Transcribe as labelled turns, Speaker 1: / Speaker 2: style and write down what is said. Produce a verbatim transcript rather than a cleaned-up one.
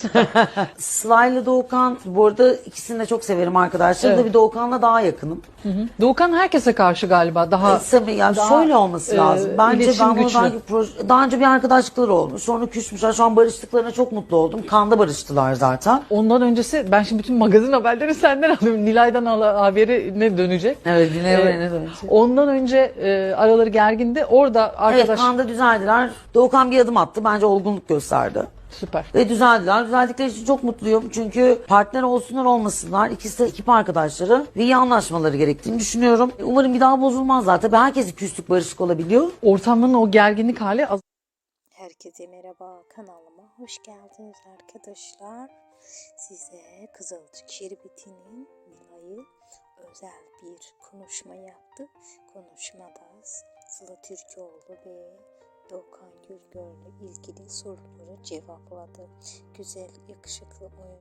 Speaker 1: Sıla ile Doğukan, bu arada ikisini de çok severim arkadaşlar.
Speaker 2: Evet.
Speaker 1: Da bir Doğukan'la daha yakınım.
Speaker 2: Hı hı. Doğukan herkese karşı galiba daha...
Speaker 1: Tabii yani
Speaker 2: daha,
Speaker 1: şöyle olması
Speaker 2: e,
Speaker 1: lazım. Bence
Speaker 2: iletişim
Speaker 1: ben bunu
Speaker 2: güçlü.
Speaker 1: daha, önce proje- daha önce bir arkadaşlıkları olmuş. Sonra küsmüşler. Şu an barıştıklarına çok mutlu oldum. Kanda barıştılar zaten.
Speaker 2: Ondan öncesi ben şimdi bütün magazin haberleri senden alıyorum. Nilay'dan al- haberi ne dönecek?
Speaker 1: Evet, dinlemeye
Speaker 2: Ee,
Speaker 1: ne dönecek?
Speaker 2: Ondan önce e, araları gergindi. Orada arkadaş...
Speaker 1: Evet, Kanda düzeldiler. Doğukan bir adım attı. Bence olgunluk gösterdi.
Speaker 2: Süper.
Speaker 1: Ve düzeldiler. Düzeldikleri için çok mutluyum. Çünkü partner olsunlar olmasınlar. İkisi de ekip arkadaşları ve iyi anlaşmaları gerektiğini düşünüyorum. Umarım bir daha bozulmazlar. Tabii herkesin küslük barışık olabiliyor.
Speaker 2: Ortamın o gerginlik hali az...
Speaker 3: Herkese merhaba, kanalıma hoş geldiniz arkadaşlar. Size Kızılcık Şerbeti'nin Nilay'ı özel bir konuşma yaptı. Konuşmada Sıla Türkoğlu ve Doğukan Gürgör'le ilgili soruları cevapladı. Güzel, yakışıklı oyun.